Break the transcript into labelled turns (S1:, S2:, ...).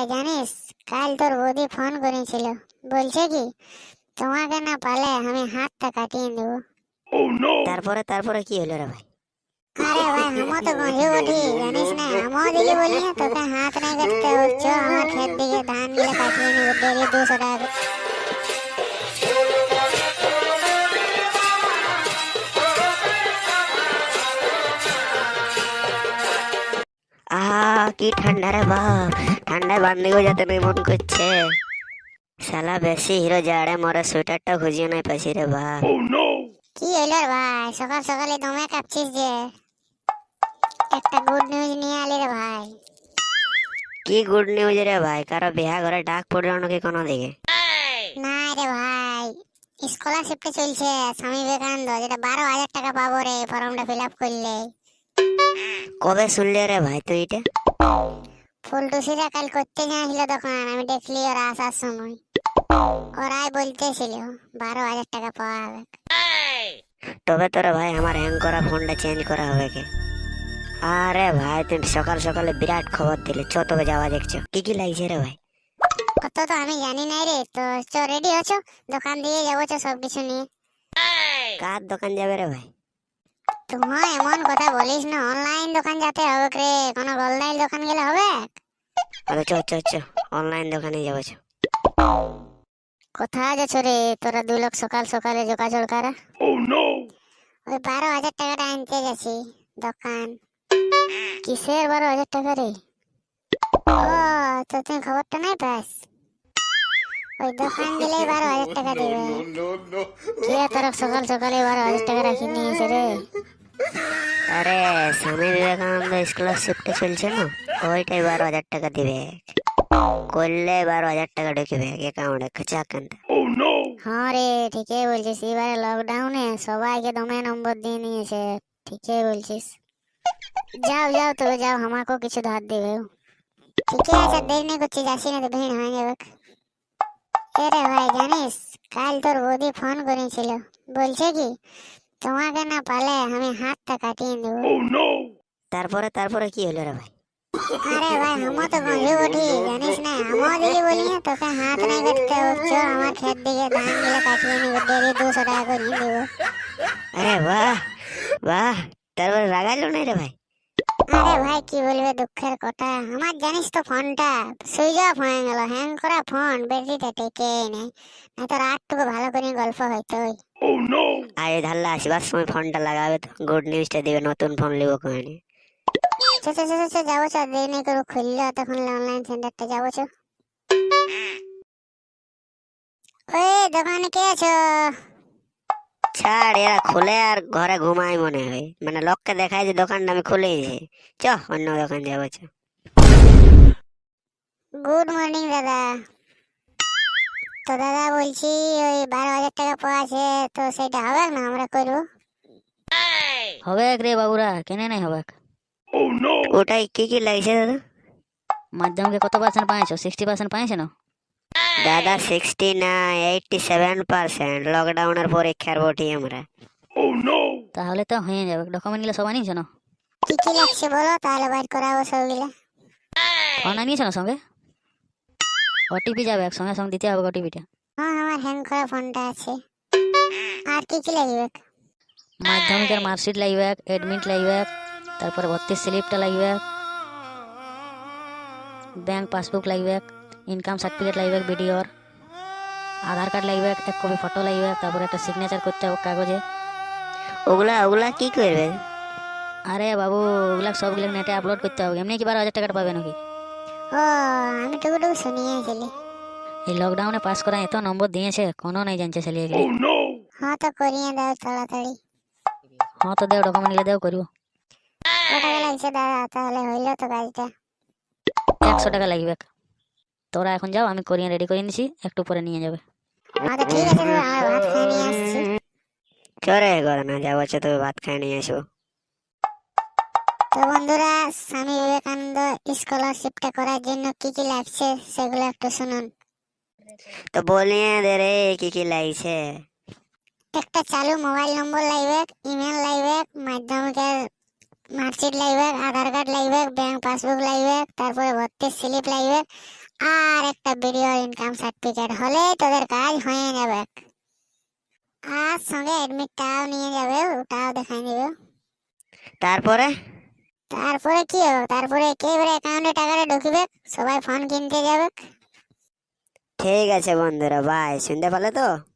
S1: জানিস কাল তোর বৌদি ফোন করেছিল, বলছে কি তোমাকে না পালে আমি হাতটা কাটিয়ে দেবো।
S2: তারপরে তারপরে কি হলো রে ভাই?
S1: আরে ভাই আমও তো গঞ্জে উঠি জানিস না, আমও দিলি বলি না তোকে হাত নাই কাটতে হচ্ছে, আমার ক্ষেত দিকে ধান গুলো কাটিয়ে নেবো ডেলি 200 টাকা।
S2: কি ঠান্ডা রে বাপ, ঠান্ডায় বান্দিও যেতে নেই মন করছে। শালা বেশি হিরো জাড়ে মরে সোয়েটারটা খুঁজিয়ে নাই পাইছি রে বাপ।
S1: কি হইলো রে ভাই, সকাল সকালে দমে কাঁপছিস যে? একটা গুড নিউজ নিয়ে আলি রে ভাই।
S2: কি গুড নিউজ রে ভাই? কারো বিয়া ঘরে ডাক পড়লো নাকি কোনো দিকে?
S1: না রে ভাই, স্কলারশিপটা চলছে স্বামী বিবেকানন্দ, যেটা 12,000 টাকা পাবো রে ফর্মটা ফিল আপ করলে।
S2: কবে শুনলি রে ভাই তুই এটা?
S1: ফুলটুসিরা কাল করতে যাচ্ছিল দোকান, আমি দেখলি ওরা আসার সময় ওরাই বলতেছিল 12,000 টাকা পাওয়া যাবে।
S2: তবে তোরা ভাই আমার হ্যাং করা ফোনটা চেঞ্জ করা হবে কে? আরে ভাই তুমি সকাল সকালে বিরাট খবর দিলে, চ তবে যাওয়া দেখছো। কি কি লাগছে রে ভাই?
S1: অত তো আমি জানি নাই রে, তো চ রেডি আছো, দোকান দিয়ে যাবো চ সব কিছু নিয়ে।
S2: কার দোকান যাবে রে ভাই?
S1: তোমার এমন কথা বলিস না, অনলাইন দোকান যেতে হবে রে, কোনো গোলদাইল দোকান গেলে হবে?
S2: আরে চ চ চ, অনলাইন দোকানে যাবো চ।
S1: কোথায় যাচ্ছ রে তোরা 2 লোক সকাল সকালে যোগাযোগ করা? ওই 12,000 টাকাটা আনতে গেছি দোকান। কিসের 12,000 টাকা রে? ও, তো তুমি খবরটা নাই পাস? ওই দোকান দিলেই 12,000 টাকা দিবে। কে তোরা সকাল সকালে 12,000 টাকা রাখি নিয়েছে রে?
S2: আরে স্বামী বিবেকানন্দ স্কলারশিপটা চলছে না, ওইটাই 12,000 টাকা দিবে। করলে 12,000 টাকা ঢুকবে অ্যাকাউন্টে খাচাক কান্দা।
S1: হ্যাঁ রে, ঠিকই বলছিস, এবারে লকডাউনে সবাইকে দমে নম্বর দিয়ে নিয়েছে। ঠিকই বলছিস। যাও যাও তবে যাও, আমাকেও কিছু ধার দেবে। ঠিকই আছে, দেরি নেই করছি, যাচ্ছি না তো ভিড় হয়ে যাবে। এরে ভাই জানিস কাল তোর বৌদি ফোন করেছিল, বলছে কি তোমাকে না পালে আমি হাতটা কাটিয়ে দেবো।
S2: তারপরে তারপরে কি হলো রে ভাই?
S1: আরে ভাই আমও তো গঞ্জে উঠি জানিস না, আমও দিলি বলি না তোকে হাত নাই কাটতে হচ্ছে, আমার ক্ষেত দিকে ধান গুলো কাটিয়ে নেবো ডেলি 200 টাকা করে দেবো।
S2: আরে বাহ বাহ, তারপরে রাগাইলো না রে ভাই?
S1: আরে ভাই কি বলবে দুঃখের কথা, আমার জানিস তো ফোনটা সুইচ অফ হয়ে গেল, হ্যাং করা ফোন, ব্যাটারিটা টেকে নেই, না তো রাতটুকু ভালো করে গল্প হইতো।
S2: আরে ধারলা আসবার সময় ফোনটা লাগাবে তো গুড নিউজটা দিবে, নতুন ফোন লিবো কোনে।
S1: যাবো চ, দেরি নেই করবো, খুললো তখন অনলাইন সেন্টারটা যাবো চ। ওই দোকানে কে আছো?
S2: ছাড়, এরা খুলে আর ঘরে ঘুমাই মনে হয়, মানে লোককে দেখায় যে দোকানটা আমি খুলেছি। চ অন্য দোকান যাবো চ।
S1: গুড মর্নিং দাদা। তো দাদা বলছি ওই 12,000 টাকা পাওয়া আছে, তো সেটা হবে না আমরা করবো?
S3: হবে রে বাবুরা, কেনে নাই হবে?
S2: ওটাই কি কি লাগছে দাদা?
S3: মাধ্যমিকে কত পার্সেন্ট পাইছো? 60% পাইছো না?
S2: দাদা 60 না 87%, লকডাউনের পরীক্ষার বটি আমরা।
S3: তাহলে তো হয়ে যাবে। ডকুমেন্ট গুলো সব আনিয়েছো না?
S1: কি কি লাগছে বলো, তাহলে বাইর করাবো সবগুলা।
S3: ফোন আনিয়েছো না সঙ্গে? ওটিপি যাবে, সঙ্গে সঙ্গে দিতে হবে ওটিপিটা।
S1: হ্যাঁ আমার হ্যাং করা ফোনটা আছে। আর কি কি লাগবে?
S3: মাধ্যমিকের মার্কশিট লাগবে, এডমিট লাগবে, তারপরে ভর্তির স্লিপটা লাগবে, ব্যাংক পাসবুক লাগবে, ইনকাম সার্টিফিকেট লাগবে ভিডিওর, আধার কার্ড লাগবে, 1 কপি ফটো লাগবে, তারপরে একটা সিগনেচার করতে হবে কাগজে।
S2: ওগুলা ওগুলা কি করবে?
S3: আরে বাবু, ওগুলা সবগুলো নেটে আপলোড করতে হবে। এমনি কি 12,000 টাকাটা পাবে নাকি?
S1: ও, আমি টুকুটুকু শুনিয়েছিলি।
S3: এই লকডাউনে পাস করা এত নম্বর দিয়েছে, কোনো নাই জানছে ছেলে এগুলি।
S1: হ্যাঁ তো করিয়ে দাও তাড়াতাড়ি।
S3: হ্যাঁ তো দেও, ডকুমেন্ট গুলো দেও, করবো।
S1: কত টাকা লাগছে দাদা, তাহলে হইলো তো কাজটা?
S3: 100 টাকা লাগবে। তোরা এখন যাও, আমি করিয়ে রেডি করে নিছি, একটু পরে নিয়ে যাবে।
S1: হ্যাঁ তো ঠিক আছে, তো আমার ভাত খেয়ে নিয়ে আসছি।
S2: চরে ঘরে না যাবো চ, তবে ভাত খাই নিয়ে আসবো।
S1: তো বন্ধুরা, স্বামী বিবেকানন্দ স্কলারশিপটা করার জন্য কি কি লাগছে সেগুলো একটু শুনুন।
S2: তো বলিয়ে দে রে কি কি লাগছে।
S1: একটা চালু মোবাইল নম্বর লাগবে, ইমেল লাগবে, মাধ্যমিকের মার্কশিট লাগবে, আধার কার্ড লাগবে, ব্যাংক পাসবুক লাগবে, তারপরে ভর্তির স্লিপ লাগবে, আর একটা ভিডিও ইনকাম সার্টিফিকেট হলে তোদের কাজ হয়ে যাবে। আর সঙ্গে অ্যাডমিটটাও নিয়ে যাবে, ওটাও দেখাই দিবে।
S2: তারপরে?
S1: তারপরে কি হবে? তারপরে একেবারে অ্যাকাউন্টে টাকাটা ঢুকবে, সবাই ফোন কিনতে যাবে।
S2: ঠিক আছে বন্ধুরা, বাই। শুনতে পেলে তো?